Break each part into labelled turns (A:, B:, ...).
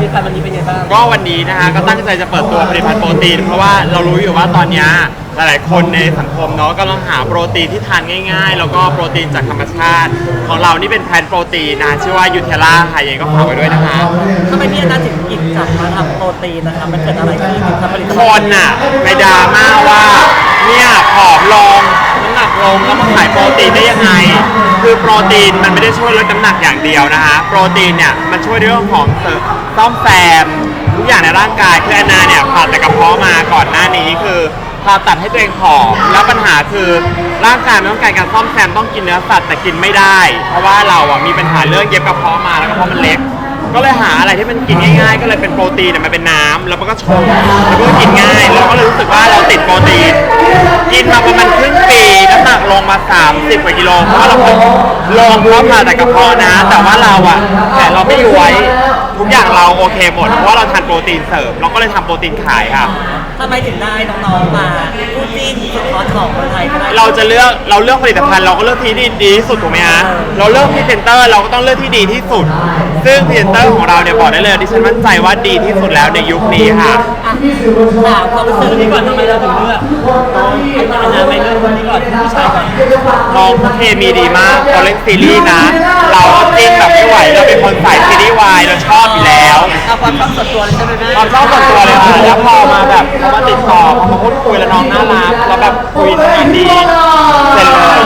A: ลิตภัณฑ์วันนี้เป็นไงบ้าง
B: ก็วันนี้นะคะก็ตั้งใจจะเปิดตัวผลิตภัณฑ์โปรตีนเพราะว่าเรารู้อยู่ว่าตอนนี้หลายๆคนในสังคมเนาะกำลังหาโปรตีนที่ทานง่ายๆแล้วก็โปรตีนจากธรรมชาติของเรานี่เป็นแพลนโปรตีนนะชื่อว่ายูเทล่าค่ะยังไงก็ฝากไว้ด้วยนะคะ
A: ทำไมพี่แอนนาถึงหยิบจับมาทำโปรตีนนะครับมันเกิดอะไรขึ้นถึงทำผลิต
B: ค
A: ภัณฑ์
B: นน่ะไปดราม่าว่าเนี่ยผอมลงน้ำหนักลงแล้วมาขายโปรตีนได้ยังไงคือโปรตีนมันไม่ได้ช่วยลดน้ำหนักอย่างเดียวนะคะโปรตีนเนี่ยมันช่วยเรื่องของซ่อมแซมทุกอย่างในร่างกายคือแอนนาเนี่ยผ่าตัดกระเพาะมาก่อนหน้านี้คือผ่าตัดให้ตัวเองผอมแล้วปัญหาคือร่างกายมันต้องการการซ่อมแซมต้องกินเนื้อสัตว์แต่กินไม่ได้เพราะว่าเราอ่ะมีปัญหาเรื่องเย็บกระเพาะมาแล้วกระเพาะมันเล็กก็เลยหาอะไรที่มันกินง่ายๆก็เลยเป็นโปรตีนมันเป็นน้ำแล้วมันก็ชงแล้วก็กินง่ายเราก็เลยรู้สึกว่าเราติดโปรตีนกินมาประมาณครึ่งปีน้ำหนักลงมา30 กว่ากิโลเพราะว่าเราลงเพราะผ่าตัดกระเพาะนะแต่ว่าเราอ่ะแต่เราไม่ย้วยทุกอย่างเราโอเคหมดเพราะว่าเราทานโปรตีนเสริมเราก็เลยทำโปรตีนขายค่ะ
A: ทำไมถึงได้น้องๆมาคู่จิ้นสุดฮอตของคนไทยก็ได้
B: เราเลือกผลิตภัณฑ์เราก็เลือกที่ดีที่สุดถูกไหมฮะเราเลือกพรีเซนเตอร์เราก็ต้องเลือกที่ดีที่สุดซึ่งพรีเซนเตอร์ของเราเนี่ยบอกได้เลยดิฉันมั่นใจว่าดีที่สุดแล้วในยุคนี้ค่ะ
A: ถามความรู้สึกนี้ก่อนทำไมเราถึงเลือกอันนาไม่เลือกคนนี้ก่อนผู้ชายก่อน
B: น้องเคมีดีมากตอนเล่นซีรีส์นะเราจิ้นแบบไม่ไหวเราเป็นคนสายซีรีส์วายเราชอบอยู่แล้ว
A: เอาความชอบส่วนตัวเลยใช่ไหมแม่
B: ความชอบส่วนตัวเลยค่ะแล้วพอมาแบบเขามาติดต่อเขามาพูดคุยแล้วน้องน่ารักแล้วแบบคุยดีเสร็จเลย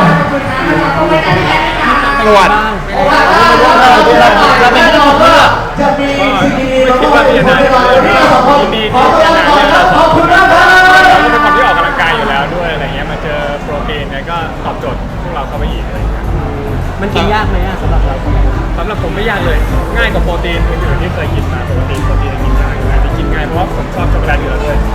B: ตรวจ
A: เราไม่ได้เลือก
C: คิดว่าพี่แอนนาดีที่พี่แอนนาเนี่ยเราเป็นคนที่ออกกำลังกายอยู่แล้วด้วยอะไรเงี้ยมาเจอโปรตีนเนี่ยก็ตอบโจทย์พวกเราเข้าไปอีกอะไรเงี้ย
A: มันกินยากไหมสำหรับเรา
C: สำหรับผมไม่ยากเลยง่ายกว่าโปรตีนอื่นๆที่เคยกินมาปกติโปรตีนกินยากอยู่แล้วกินง่ายเพราะว่าผมชอบช็อกโกแลตอยู่แล้วด้วย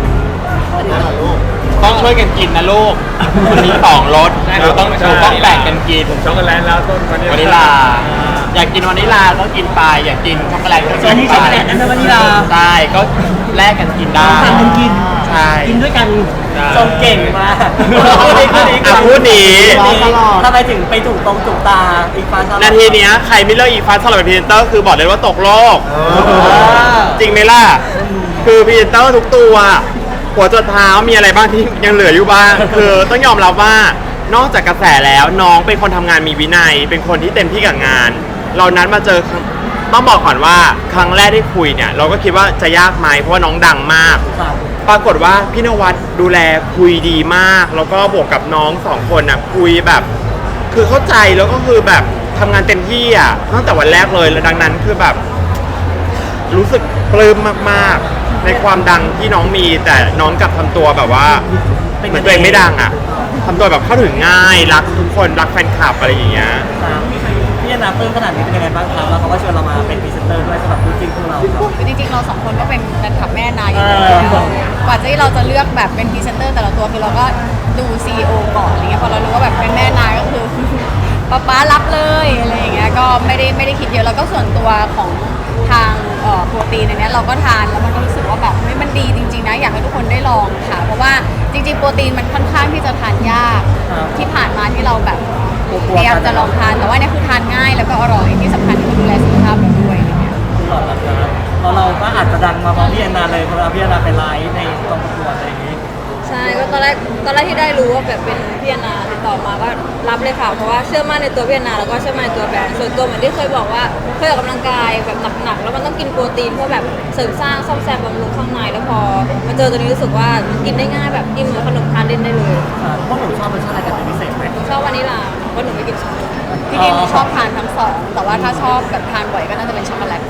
B: ต้องช่วยกันกินนะลูกวันนี้2 รสเราต้องแบ่งกันกิน
C: ผมช็อกโกแลตแล้วต้นวานิ
B: ลาอยากกินวานิลาต้องกินไปอยากกินช็อกโกแลตก็
A: กินไปช็อกโกแลตนั่นเป็นวานิลา
B: ใช่ก็แลกกันกินได้
A: ต่างกันกิน
B: ใช่
A: กินด้วยกันจงเก่งมาก
B: พูดดี
A: ทำไมถึงไปถูกตาอีฟ้า
B: นาทีนี้ใครไม่เลิกอีฟ้าสลับเป็นพรีเซนเตอร์คือบอกเลยว่าตกโลกจริงไหมล่ะคือพรีเซนเตอร์ทุกตัวหัวจนเท้ามีอะไรบ้างที่ยังเหลืออยู่บ้างคือต้องยอมรับว่านอกจากกระแสแล้วน้องเป็นคนทำงานมีวินัยเป็นคนที่เต็มที่กับงานเรานัดมาเจอต้องบอกก่อนว่าครั้งแรกที่คุยเนี่ยเราก็คิดว่าจะยากไหมเพราะว่าน้องดังมากปรากฏว่าพี่นวัดดูแลคุยดีมากแล้วก็บวกกับน้อง2 คนน่ะคุยแบบคือเข้าใจแล้วก็คือแบบทำงานเต็มที่อ่ะตั้งแต่วันแรกเลยแล้วดังนั้นคือแบบรู้สึกปลื้มมากๆในความดังที่น้องมีแต่น้องกลับทำตัวแบบว่าเหมือนตัวเองไม่ดังอ่ะทำตัวแบบเข้าถึงง่ายรักทุกคนรักแฟนคลับอะไรอย่างเงี้ย
A: พี่แอนนาปลื้มขนาดนี้เป็นยังไงบ้างครับแล้วเขาก็ชวนเรามาเป็นพรีเซนเตอร์ด้วยสำหรับคู่จิ้นของเรา
D: จริงๆเรา2 คนก็เป็นแฟนคลับแม่นายอยู่แล้วกว่าที่เราจะเลือกแบบเป็นพรีเซนเตอร์แต่ละตัวคือเราก็ดู CEO ก่อนอะไรเงี้ยพอเรารู้ว่าแบบเป็นแม่นายก็คือป๊ารับเลยอะไรเงี้ยก็ไม่ได้คิดเยอะแล้วก็ส่วนตัวของทางโปรตีนในนี้เราก็ทานแล้วมันก็รู้สึกว่าแบบมันดีจริงๆนะอยากให้ทุกคนได้ลองค่ะเพราะว่าจริงๆโปรตีนมันค่อนข้างที่จะทานยากที่ผ่านมาที่เราแบบพยายามจะลองทานแต่ว่านี่คือทานง่ายแล้วก็อร่อยที่สำคัญคือดูแลสุขภาพเราด้วยอะไรเงี้ย
A: เราก็อาจจะดังมาเพราะพี่แอนนาเลยเพราะพี่แอนนาเป็นไลฟ์ในกองประกวดอะไรอย่างนี้
D: ใช่ก็ตอนแรกที่ได้รู้ว่าแบบเป็นพี่แอนนาติดต่อมาก็รับเลยค่ะเพราะว่าเชื่อมั่นในตัวพี่แอนนาแล้วก็เชื่อมั่นในตัวแบรนด์ส่วนตัวเหมือนที่เคยบอกว่าเคยออกกำลังกายแบบหนักๆแล้วมันต้องกินโปรตีนเพื่อแบบเสริมสร้างซ่อมแซมบำรุงข้างในแล้วพอมาเจอตัวนี้รู้สึกว่ากินได้ง่ายแบบกินเหมือนขนมทานเล่นได้เลย
A: พวกหนูชอบรสชาติอะไรกันเป็นพิเศษไหม
D: ชอบวานิลลาเพราะหนูไม่กินช็อกโกแลตที่นี่หนูชอบทานทั้ง2แต่ว่าถ้าชอบแบบทานบ่อยก็น่าจะเป็นช็อกโกแลต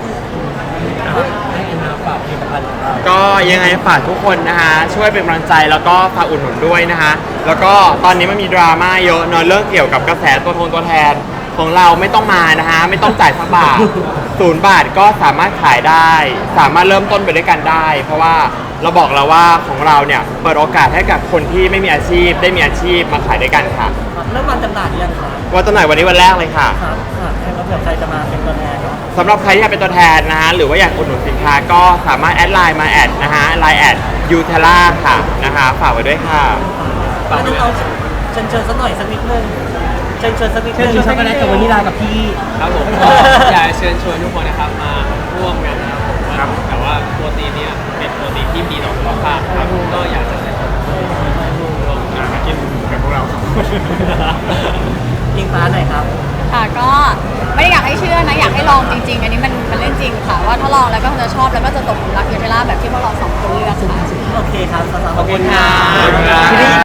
B: ก็ยังไงฝากทุกคนนะคะช่วยเป็นกำลังใจแล้วก็ฝากอุดหนุนด้วยนะคะแล้วก็ตอนนี้มันมีดราม่าเยอะเนอะเรื่องเกี่ยวกับกระแสตัวแทนของเราไม่ต้องมานะคะไม่ต้องจ่ายสักบาท0 บาทก็สามารถขายได้สามารถเริ่มต้นไปด้วยกันได้เพราะว่าเราบอกแล้วว่าของเราเนี่ยเปิดโอกาสให้กับคนที่ไม่มีอาชีพได้มีอาชีพมาขายด้วยกันค่ะ
A: เริ่มวันจำหน่ายยังคะ
B: วันจำหน่ายวันนี้วันแรกเลยค่ะ
A: แล้วเผื่อใครจะมาเป็นตัวแทน
B: สำหรับใครที่อยากเป็นตัวแทนนะฮะหรือว่าอยากอุดหนุนสินค้าก็สามารถแอดไลน์มาแอดนะฮะไลน์แอดยูเทล่าค่ะนะคะฝากไว้ด้วยค่ะ
A: ฝากน้องเชิญสักหน่อยสักนิดนึงเชิญสักนิดนึงช็อกโกแลตกับวานิลากับพี่
E: ครับผมอยากเชิญชวนทุกคนนะครับมาร่วมกันนะครับ
A: ครับ
D: ค่ะก็ไม่ได้อยากให้เชื่อนะอยากให้ลองจริงๆ อันนี้มันเรื่องจริงค่ะว่าถ้าลองแล้วก็จะชอบแล้วก็จะตกหลุมรักเยเทล่าแบบที่พวกเราสองคนเลือกค่ะ
A: โอเคครับสาวๆขอบคุณค่ะ
B: ขอบคุณครับ